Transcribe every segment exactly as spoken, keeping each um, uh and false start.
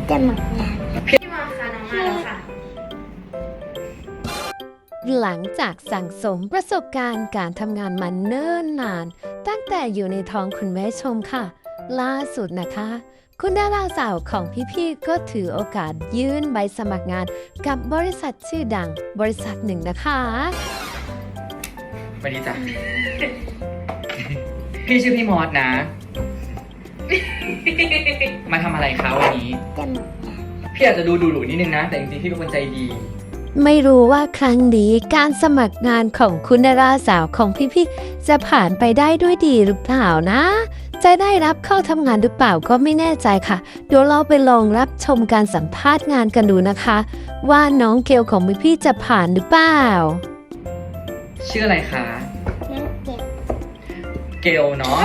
จะหมักงานพี่มาค่ะน้องมาแล้วค่ะหลังจากสั่งสมประสบการณ์การทำงานมาเนิ่นนาน ตั้งแต่อยู่ในท้องคุณแม่ชมค่ะ ล่าสุดนะคะ คุณดาราสาวของพี่ๆก็ถือโอกาสยื่นใบสมัครงานกับบริษัทชื่อดังบริษัทหนึ่งนะคะสวัสดีจ้ะ พี่ชื่อพี่มอสนะ มาทำอะไรคะวันนี้จะหมักงานพี่อาจจะดูดุๆนิดนึงนะ แต่จริงๆพี่เป็นคนใจดีไม่รู้ว่าครั้งนี้การสมัครงานของคุณดาราสาวของพี่ๆจะผ่านไปได้ด้วยดีหรือเปล่านะ จะได้รับเข้าทำงานหรือเปล่าก็ไม่แน่ใจค่ะ เดี๋ยวเราไปลองรับชมการสัมภาษณ์งานกันดูนะคะ ว่าน้องเกลของพี่ๆจะผ่านหรือเปล่าชื่ออะไรคะน้ำเก็บเกลเนาะ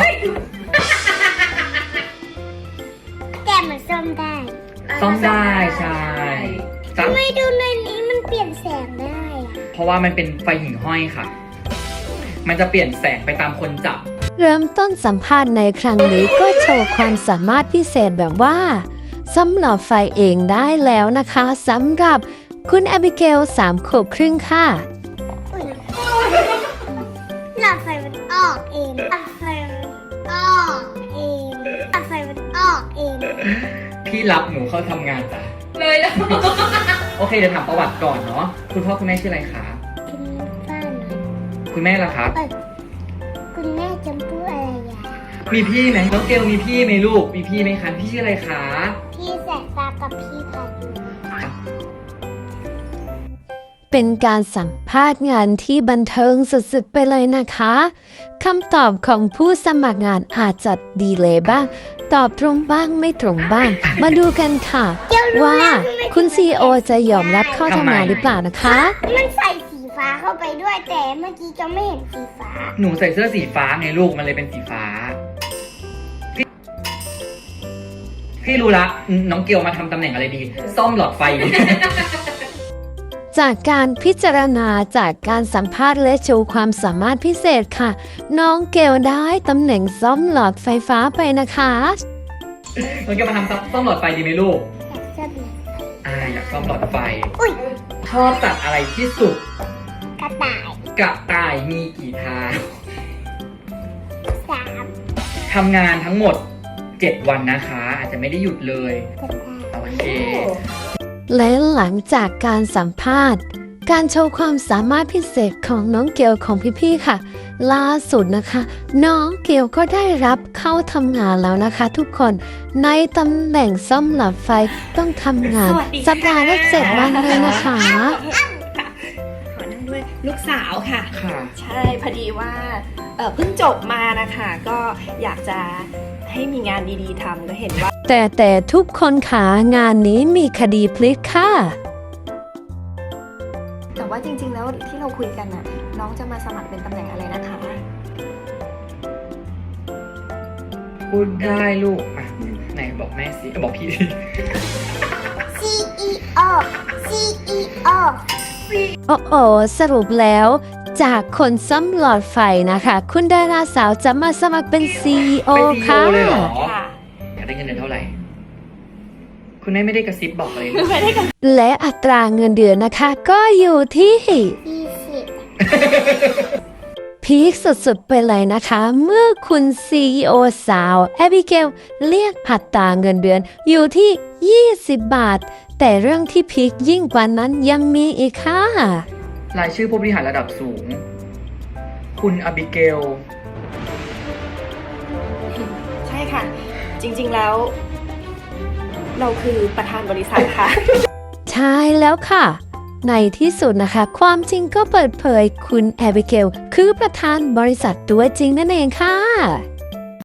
แต่มันซ่อมได้ซ่อมได้ใช่จ้ะทำไมดูในนี้มันเปลี่ยนแสงได้อะเพราะว่ามันเป็นไฟหิ่งห้อยค่ะ มันจะเปลี่ยนแสงไปตามคนจับเริ่มต้นสัมภาษณ์ในครั้งนี้ก็โชว์ความสามารถพิเศษแบบว่าสำหรับไฟเองได้แล้วนะคะสำหรับคุณแอบิเกลสามขวบครึ่งค่ะอุ๊ยหลอดไฟมันออกเองหลอดไฟมันออกเองหลอดไฟมันออกเองพี่รับหนูเข้าทำงานจ้ะเลยแล้วโอเคเดี๋ยวถามประวัติก่อนเนาะ คุณพ่อคุณแม่ชื่ออะไรคะกินบ้านหน่อยคุณแม่ล่ะครับเอ้ยคุณแม่จำพูดอะไรยามีพี่ไหมน้องเกลมีพี่ไหมลูก มีพี่ไหมคะ พี่ชื่ออะไรคะพี่แสกตากับพี่พายุเป็นการสัมภาษณ์งานที่บันเทิงสุดๆไปเลยนะคะคำตอบของผู้สมัครงานอาจจะดีเลยบ้าง ตอบตรงบ้างไม่ตรงบ้าง มาดูกันค่ะ ว่าคุณซีโอจะยอมรับเข้าทำงานหรือเปล่านะคะมันใส่สีฟ้าเข้าไปด้วยแต่เมื่อกี้จะไม่เห็นสีฟ้าหนูใส่เสื้อสีฟ้าไงลูก มันเลยเป็นสีฟ้า พี่พี่รู้ละ น้องเกลมาทำตำแหน่งอะไรดี ซ่อมหลอดไฟจากการพิจารณาจากการสัมภาษณ์และโชว์ความสามารถพิเศษค่ะ น้องเกลได้ตำแหน่งซ่อมหลอดไฟฟ้าไปนะคะน้องเกลมาทำซ่อมหลอดไฟดีไหมลูกอยากเสื้อแบบอ่า อยากซ่อมหลอดไฟอุ้ยชอบสัตว์อะไรที่สุดกระต่ายกระต่ายมีกี่เท้าสามทำงานทั้งหมดเจ็ดวันนะคะ อาจจะไม่ได้หยุดเลยกระต่ายโอเคและหลังจากการสัมภาษณ์ การโชว์ความสามารถพิเศษของน้องเกลของพี่ๆค่ะ ล่าสุดนะคะ น้องเกลก็ได้รับเข้าทำงานแล้วนะคะ ทุกคนในตำแหน่งซ่อมหลอดไฟต้องทำงานสวัสดีค่ะสัปดาห์ละเจ็ดวันเลยนะคะขอนั่งด้วยลูกสาวค่ะค่ะใช่พอดีว่าเอ่อเพิ่งจบมานะคะก็อยากจะให้มีงานดีๆทำก็เห็นว่าแต่แต่ทุกคนขางานนี้มีคดีพลิกค่ะแต่ว่าจริงๆแล้วที่เราคุยกันน่ะน้องจะมาสมัครเป็นตำแหน่งอะไรนะคะพูดได้ลูก อ่ะ ไหนบอกแม่สิบอกพี่สิซี อี โอ ซี อี โอโอ้โอสรุปแล้วจากคนซ่อมหลอดไฟนะคะ คุณดาราสาวจะมาสมัครเป็น ซี อี โอเป็น ซี อี โอค่ะเลยเหรอค่ะอยากได้เงินเดือนเท่าไหร่ คุณแม่ไม่ได้กระซิบบอกเลยไม่ได้กันและอัตราเงินเดือนนะคะ ก็อยู่ที่ยี่สิบพีคสุดๆไปเลยนะคะ เมื่อคุณ ซี อี โอ สาวแอบิเกลเรียกอัตราเงินเดือนอยู่ที่ ยี่สิบบาท แต่เรื่องที่พีคยิ่งกว่านั้นยังมีอีกค่ะรายชื่อผู้บริหารระดับสูง คุณอบิเกลใช่ค่ะ จริงๆแล้ว เราคือประธานบริษัทค่ะใช่แล้วค่ะ ในที่สุดนะคะ ความจริงก็เปิดเผยคุณแอบิเกลคือประธานบริษัทตัวจริงนั่นเองค่ะ